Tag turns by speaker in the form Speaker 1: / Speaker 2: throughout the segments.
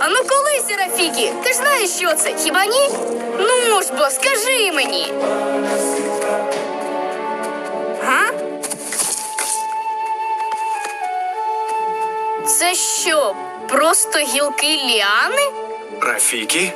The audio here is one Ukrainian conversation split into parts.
Speaker 1: А ну коли, Серафікі? Ти ж знаєш, що це, хіба ні? Ну ж бо, скажи мені. Га? Це що, просто гілки ліани?
Speaker 2: Рафікі?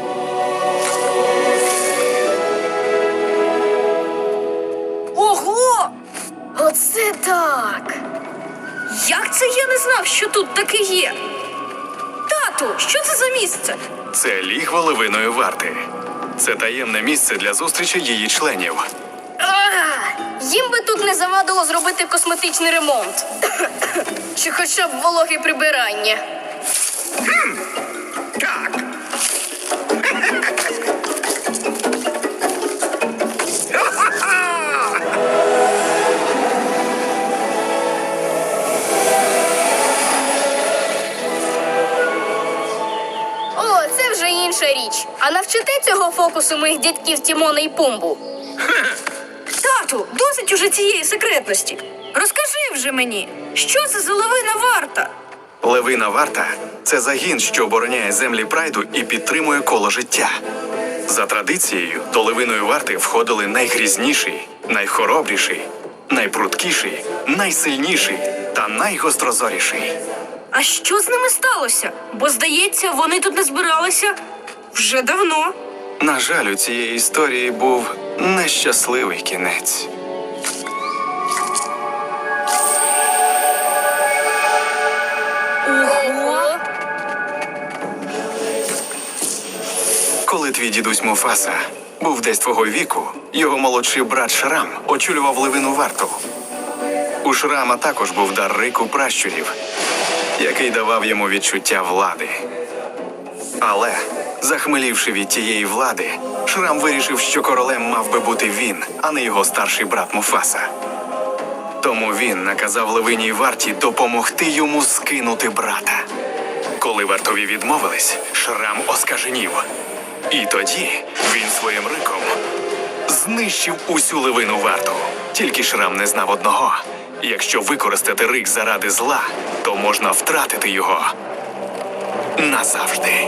Speaker 1: Ого! Оце так! Як це я не знав, що тут таке є? Тату, що це за місце?
Speaker 2: Це лігво левиної варти. Це таємне місце для зустрічі її членів.
Speaker 1: Їм би тут не завадило зробити косметичний ремонт. Чи хоча б вологе прибирання.
Speaker 3: Так.
Speaker 1: О, це вже інша річ. А навчите цього фокусу моїх дядьків Тімона і Пумбу? Тату, досить уже цієї секретності. Розкажи вже мені, що це за левина варта?
Speaker 2: Левина варта – це загін, що обороняє землі Прайду і підтримує коло життя. За традицією, до левиної варти входили найгрізніший, найхоробріший, найпруткіший, найсильніший та найгострозоріший.
Speaker 1: А що з ними сталося? Бо, здається, вони тут не збиралися вже давно.
Speaker 2: На жаль, у цієї історії був нещасливий кінець.
Speaker 1: Ого!
Speaker 2: Коли твій дідусь Муфаса був десь твого віку, його молодший брат Шрам очолював левину варту. У Шрама також був дар рику пращурів, який давав йому відчуття влади. Але, захмелівши від тієї влади, Шрам вирішив, що королем мав би бути він, а не його старший брат Муфаса. Тому він наказав левиній варті допомогти йому скинути брата. Коли вартові відмовились, Шрам оскаженів. І тоді він своїм риком знищив усю левину варту. Тільки Шрам не знав одного. Якщо використати рик заради зла, то можна втратити його назавжди.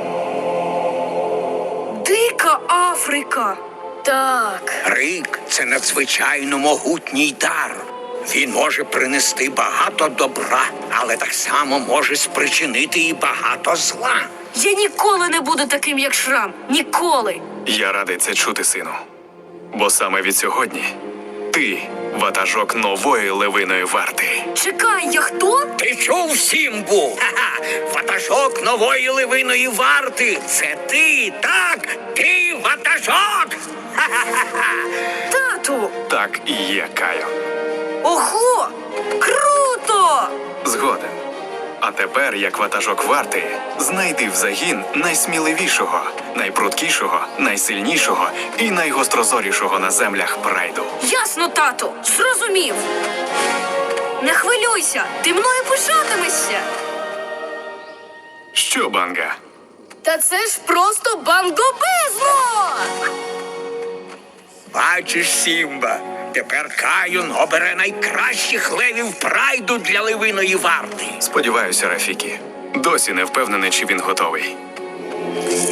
Speaker 1: Дика Африка! Так.
Speaker 3: Рик – це надзвичайно могутній дар. Він може принести багато добра, але так само може спричинити і багато зла.
Speaker 1: Я ніколи не буду таким, як Шрам. Ніколи.
Speaker 2: Я радий це чути, сину. Бо саме від сьогодні ти ватажок нової левиної варти.
Speaker 1: Чекай, я хто?
Speaker 3: Ти чув, Сімбу? Ха-ха! Ватажок нової левиної варти! Це ти, так? Ти ватажок! Ха-ха-ха!
Speaker 1: Тату!
Speaker 2: Так і є, Кайо.
Speaker 1: Ого! Круто!
Speaker 2: Згоден. А тепер, як ватажок варти, знайди в загін найсміливішого, найпруткішого, найсильнішого і найгострозорішого на землях Прайду.
Speaker 1: Ясно, тату, зрозумів. Не хвилюйся, ти мною пишатимешся.
Speaker 2: Що, Банга?
Speaker 1: Та це ж просто бангобезно!
Speaker 3: Бачиш, Сімба, тепер Каюн обере найкращих левів Прайду для левиної варти.
Speaker 2: Сподіваюся, Рафікі. Досі не впевнений, чи він готовий.